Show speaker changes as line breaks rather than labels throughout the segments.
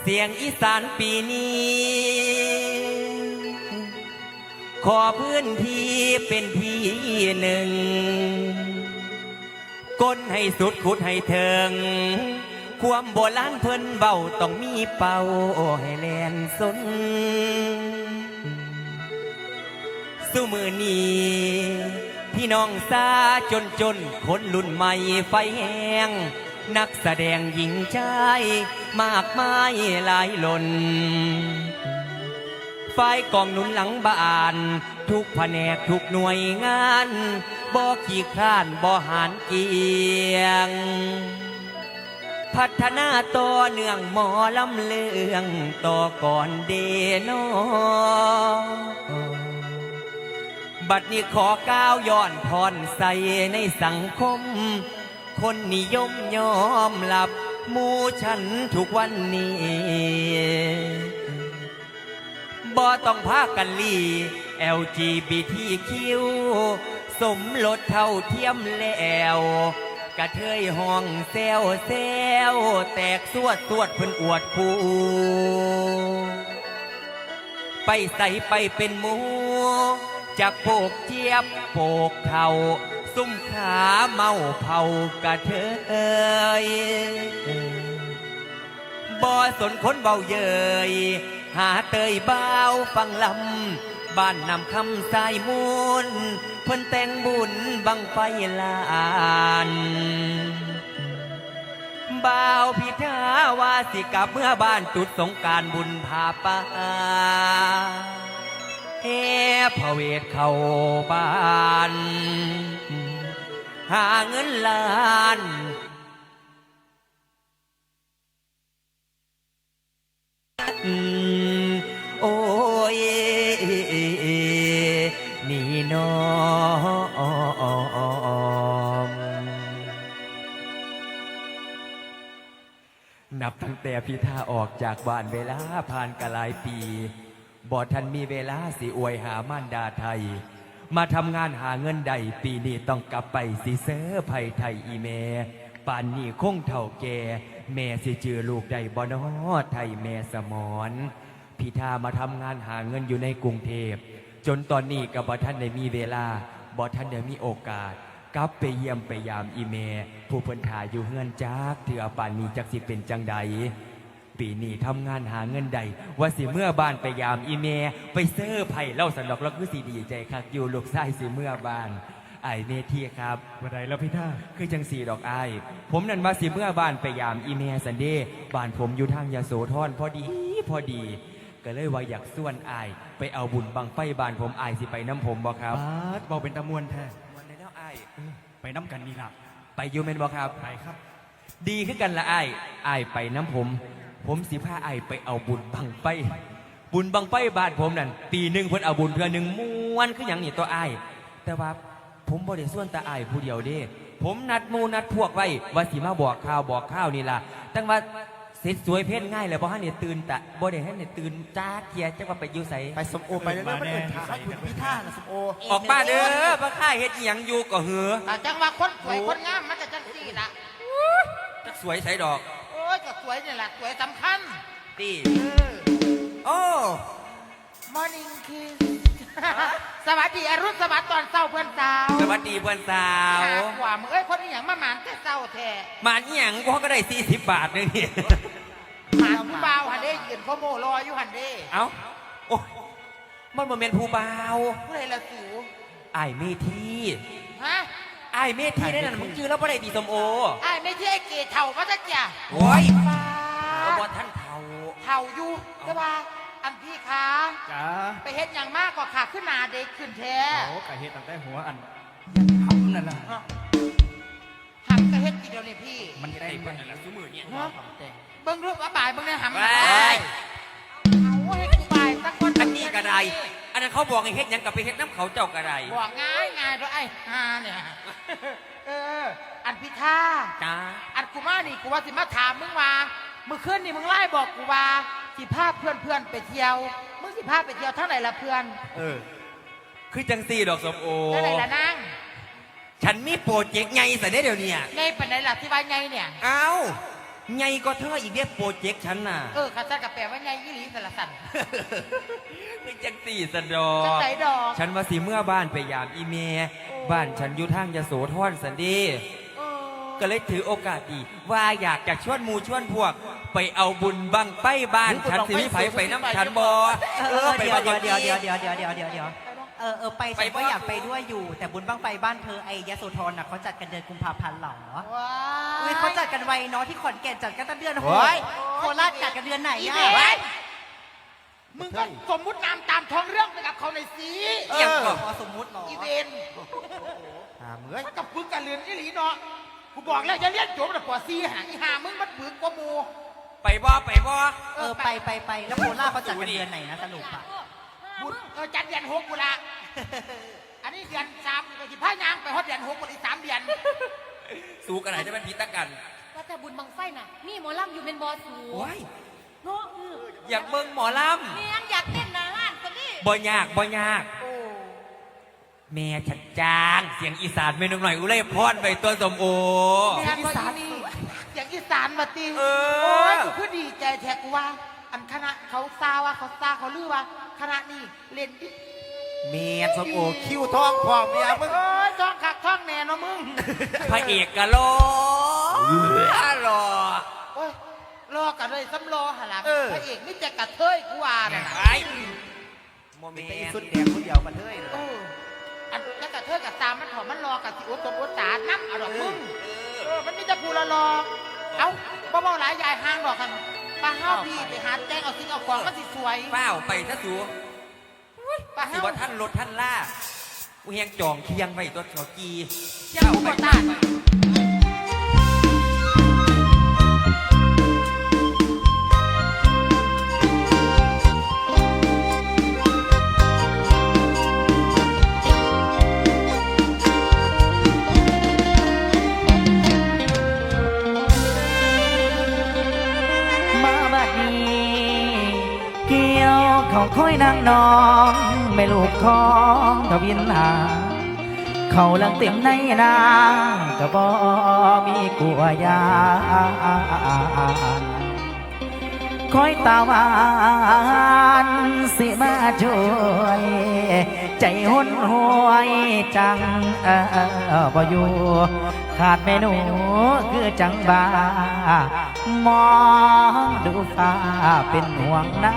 เสียงอีสานปีนี้ขอพื้นที่เป็นที่หนึ่งก้นให้สุดขุดให้เถิงความโบราณเพิ่นเบาต้องมีเป่าให้แลนสนสู้มือนี้พี่น้องซาจนคนรุ่นใหม่ไฟแห้งนักแสดงหญิงชายมากมายหลายล้นฝ่ายกองหนุนหลังบ้านทุกแผนกทุกหน่วยงานบ่ขี้คร้านบ่หานเกียงพัฒนาต่อเนื่องหมอลำเลืองต่อก่อนเดโนบัดนี้ขอก้าวย้อนพรใส่ในสังคมคนนิยมยอมหลับหมู่ฉันทุกวันนี้บ่ต้องพากันลี LGBTQ สมรสเท่าเทียมแล้วกระเทยห้องแซวแตกสวดเพิ่นอวดคู่ไปใส่ไปเป็นหมูจากโปกเจี๊ยบโปกเท่าซุ่มขาเมาเผากระเทยบ่สนคนเบาเยยหาเตยเบาฟังลำบ้านนำคำสายมูลเพิ่นแต่งบุญบังไฟลานบ่าวพิธาวาสิกลับเมื่อบ้านจุดสงการบุญพาป่าเฮ้พระเวทเข้าบ้านหาเงินล้านโอ้ยนี่น้องนับตั้งแต่พิธาออกจากบ้านเวลาผ่านกะหลายปีบ่ทันมีเวลาสิอวยหามารดาไทยมาทำงานหาเงินใดปีนี้ต้องกลับไปสิเซอร์ไผ่ไทยอีเมป่านนี้คงเท่าแก่แม่สิจือลูกใดบ่น้อไทยแม่สมอนพิธามาทำงานหาเงินอยู่ในกรุงเทพจนตอนนี้ก็บ่ทันได้มีเวลาบ่ทันได้มีโอกาสกลับไปเยี่ยมไปยามอีเมผู้เพิ่นถ่ายอยู่เฮือนจักเถื่อป่านนี้จักสิเป็นจังใดปีนี้ทำงานหาเงินใดว่าสิเมื่อบ้านไปยามอีเมไปเซอร์ไผ่เล่าสันดอกแล้วคือสิดีใจคักอยู่ลูกชายสิเมื่อบ้านไอเมทีครับ
วันใดแล้วพี่ท่า
คือจังสีดอกไอผมนั่นว่าสิเมื่อบ้านไปยามอีเมสันเดบ้านผมอยู่ทางยโสธรพอดีก็เลยว่าอยากส่วนไอไปเอาบุญบังไฟบ้านผมไอสิไปน้ำผมบ่ครับ
เบาเป็นตะมวนแท้
มวนในแล้วไอ
ไปน้ำกันนี่ล่ะ
ไปยูเมนบ่ครับ
ไปครับ
ดีขึ้นกันละไอไปน้ำผมสิพาไอไปเอาบุญบังไฟบ้านผมนั่นปีหนึ่งเพิ่นเอาบุญเพื่อหนึ่งม้วนคืออย่างนี้ตัวไอแต่ว่าผมบ่ได้ส่วนแต่ไอผู้เดียวเด้ผมนัดมูนัดพวกไว้ว่าสิมาบอกข่าวนี่ล่ะตั้งว่าเสร็จสวยเพ่นง่ายเลยบ่ให้เนี่ยตื่นแต่บ่ได้ให้เนี่ยตื่นจ้าเทียจังว่าไปอยู่ใส่
ไปสมโอไปแล้วมันเอิ้นขาคุณพิธาน่ะสมโอ
ออกมาเด้อบ่ค่ายเฮ็ดอีหยังอยู่ก็หือ
จังว่าคนสวยคนงามมันจะจังซี่ล่ะ
จักสวยใส่ดอก
โอ้ยก็สวยนี่แหละสวยสำคัญ
ตีโอ้
มอร์นิ่งคิสสวัสดีอรุณสวัสดิ์ตอนเช้าเพื่อนสาว
สวัสดีเพื่อนสาว
กว่ามึงเอ้ยคนนี้อย่างมาหมานแต่เช้าแท้
หมานอีหยังก็ได้40 บาทนึงนี่
หมานผู้บ่าวหันเด้ยืนพ่อโมรออยู่หันเด้
เอ้าโอ้มันบ่แม่นผู้บ่าว
ผู้ใดละสู
อ้ายเมธี
ฮะ
อ้ายเมธีนั่นมึงชื่อแล้วบ่ได้ตีสมโอ
อ้ายไม่ใช่ไอ้เกศเฒ่ามาซะจ้ะ
โอ้ยบ่ท่านเฒ่
าอยู่แต่ว่าอันพี่คะ
จ้า
ไปเฮ็ดอย่างมากกว่าขาขึ้นนาเด็กขึ้นแท้
โอ้กะเฮ็ดตั้งแต่หัวอันหำนั่นล่ะ
หักกะเฮ็ดทีเดียวนี่พี่
มัน
ได้เบิ่งแล้วซุมื้อนี้
เบิ่งรูปว่าบ่ายเบิ่งในหำเอาเฮ็ดกูบ่ายสักคน
อันนี้ก็ได้อันนั้นเขาบอกให้เฮ็ดหยังกับไปเฮ็ดน้ำเขาเจ้าก็ได้
บอกง่ายด้วยไอ้ฮาเนี่ยอันพี่ท่า
จ้า
อันกูมานี่กูว่าสิมาถามมึงว่ามื้อคืนนี่มึงไล่บอกกูว่าสิพาเพื่อนไปเที่ยวมึงสิพาไปเที่ยวเท่าไหร่ละเพื่อน
คือจังซี่ดอกสมโอ
เท่าไหร่ละนาง
ฉันมีโปรเจกต์ใหญ่ซะเด้เดี๋ยวนี้
ใหญ่ปานใดล่ะที่ว่าใหญ่เนี่ย
เอ้าใหญ่ก็เธออีกเด้โปรเจกต์ฉันน่ะ
ข้าจัดกับแปลว่าไงยี่หลีสารสัน
เป็นจังสี่สะดอ
จังไหนดอก
ฉันว่าสิเมื่อบ้านไปยามอีเมบ้านฉันอยู่ทางยโสธรสันดีก็เลยถือโอกาสดีว่าอยากจะชวนหมู่ชวนพวก ไปเอาบุญบังไปบ้านฉันสิมีไผไปน้ำฉันบ่
เดี๋ยวไปฉันก็อยากไปด้วยอยู่ แต่บุญบ้างไฟบ้านเธอไอ้ยโสธรน่ะเขาจัดกันเดือนกุมภาพันธ์เหรอ
ว้า
เฮ้ยเขาจัดกันไวเนาะที่ขอนแก่นจัดกันตั้งเดือนโคราชจัดกันเดือนไหน
อี
อ่ะ
เวนมึงก็สมมุตินามตามท้องเรื่องไปกับเขาในอยสิ
พอสมมุติเหรอ
อีเวน
เมื่อย
มันกับปึกกันเรือนยี่หลีเนาะกูบอกแล้วอย่าเลี้ยนโจมแต่ปอซีหางอีหามึงมันปึกกว่าหมู
ไปบ่ไปบ่
ไปแล้วโคราชเขาจัดกันเดือนไหนนะสรุปอ่ะ
บุญจัดเดือน6กูละอันนี้เดือน3ก็สิพายางไปฮอดเดือน6กูอีก3 เดือน
สู้กันไหนจะเป็นพิตะกัน
ว่าแต่บุญบังไฟน่ะนี่หมอลำอยู่เป็นบอสู
โอ้ย
เนาะ
อยากเบิ่งหมอล
เมียนอยากเต้นหนาห้านคนนี้
ำบ่ยากบ่ยากแม่ฉันจางเสียงอีสานเมนูหน่อยอุไรพรไปตัวสมโอ
เสียงอีสานนี่อย่างอีสานมาตี
เออ
โอ้ยกูคือดีใจแท้กูว่า อันคณะเขาซาว่าเขาซาเขาลือว่าคณะนี้เล่นดี
เมียสมโอคิวทองพร้อมเนี่ยมึง
โอ้ยท้องคักท้องแน่เนาะมึง
พระเอกกะโลรอ
โอ้ยรอกันเลยซ้ำรอหนหลังพระเอกนี่จะกระเทยกูว่าน่ะนะ
ไอ้โมเม
เป็น
น
สุดแดงคนเดียวกันเลย
เอออันแล้วกระเทยกับตามมันถอมันรอกับสิอุตบอุตสาน้ำเอาดอกมึงมันมีแต่ผู้ละรอเอ้าเบาๆหลายยายห้างดอกกันปลาห้าวพี่ไปหาแจ้งเอาสิ่งเอาของมันสิสวย
เป้าไปซะสู
ปลา
สิ
ห้าว
ว่าท่านรถท่านล่ากูเฮียงจองเคียงไว้ตัวเขากี
เจ้าผู้ตาน
มาบัดนี้เกี่ยวเขาค่อยนางน้องไม่ลูกของทวินหาเขาลังเต็มในนาก็บ่มีกลัวยานคอยตาหวานสิมาช่วยใจหุ่นหวยจังบ่อยู่ขาดเมนูคือจังบามองดูฟ้าเป็นห่วงน้า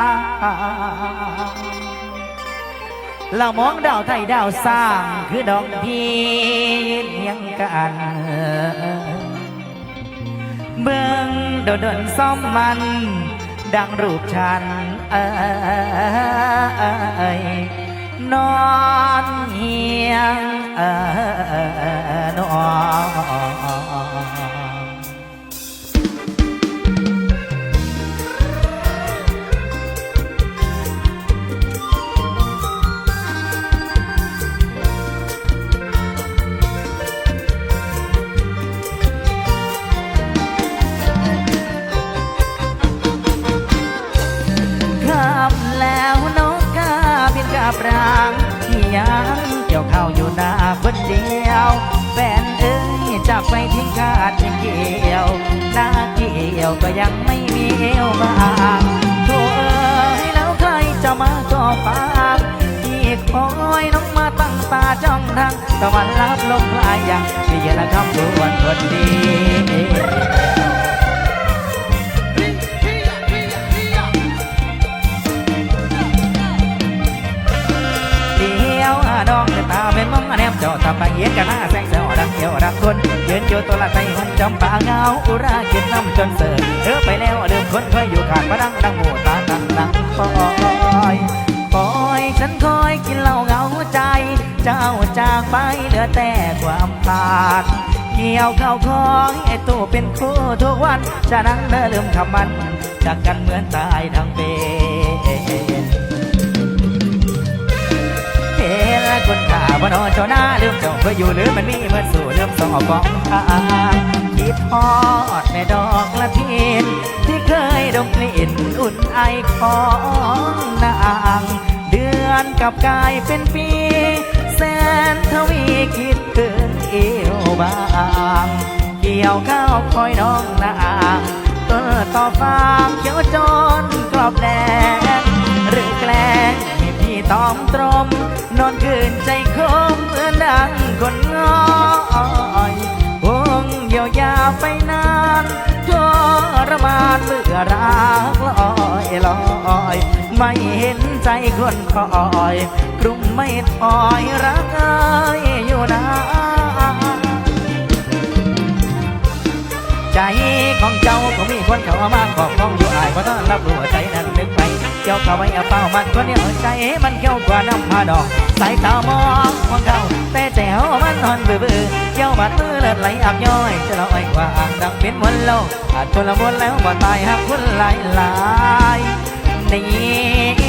เรามองดาวไทยดาวสร้างคือดอกพีเลี้ยงกันเบิ่งโดนซ่อมมันดังรูปฉันนอนเฮียงนอนแล้วนกกาบินกาบรางที่ยังเกี่ยวข้าวอยู่หน้าคนเดียวแฟนเอ้ยจากไปทิ้งขาดทิ้งเกี่ยวหน้าเกี่ยวก็ยังไม่มีเอวบางโธ่เอ้ยแล้วใครจะมาก่อฟางที่คอยน้องมาตั้งตาจ้องทางตะวันลับลมพลายอย่างที่เย็นละคำด่วนคนดีดองตาเป็นมองแนมเจาะตาไปเย็นกันหน้าแสงเสียวรักเดียวรักคนยืนอยู่ตัวละไทยมันจำปาเงาอุรากินน้ำจนเสือไปแล้วเดิมคนเคยอยู่ขาดมาดังดังหูตาดังคอยฉันคอยกินเหล้าเงาใจเจ้าจากไปเหลือแต่ความปากเกี่ยวเข้าคอยไอ้ตัวเป็นคู่ทุกวันจะนั่งเดินลืมคำมันจากกันเหมือนตายทั้งเป็นคนข่าว่านอนเจ้าหน้าลืมเจ้าเคยอยู่หรือมันมีเหมือนสู่ลืมสองฟองทางคิดทอดแม่ดอกละเทียนที่เคยดมกลิ่นอุ่นไอของนางเดือนกับกายเป็นปีแสนทวีคิดถึงเอวบางเกี่ยวข้าวคอยน้องนางต้นต่อฟางเขียวจนกรอบแดงหรือแกล้งให้พี่ตอมตรมนอนคืนใจคมเหมือนดังคนง้อยห่วงเยียวยาไปนานทรมานเมื่อรักลอยลอยไม่เห็นใจคนคอยกรุงไม่ถอยรักเอ้ยอยู่นะใจของเจ้าก็มีคนเข้ามาขอบของอยู่อายเพราะต้องรับรู้ใจนั้นนึกไปเกี่ยวเข้าไว้เอาเป้ามันคนเดียวใจมันเกี่ยวกว่าน้ำพาดอกสายตามองของเขาแต่แจ๋วมันนอนเบื่อเกี่ยวบาดมือเลือดไหลอักย้อยจะลอยกว่าอ่างดังเป็นวันโลกอาจชนละมุนแล้วบ่ตายหักคนหลายนี่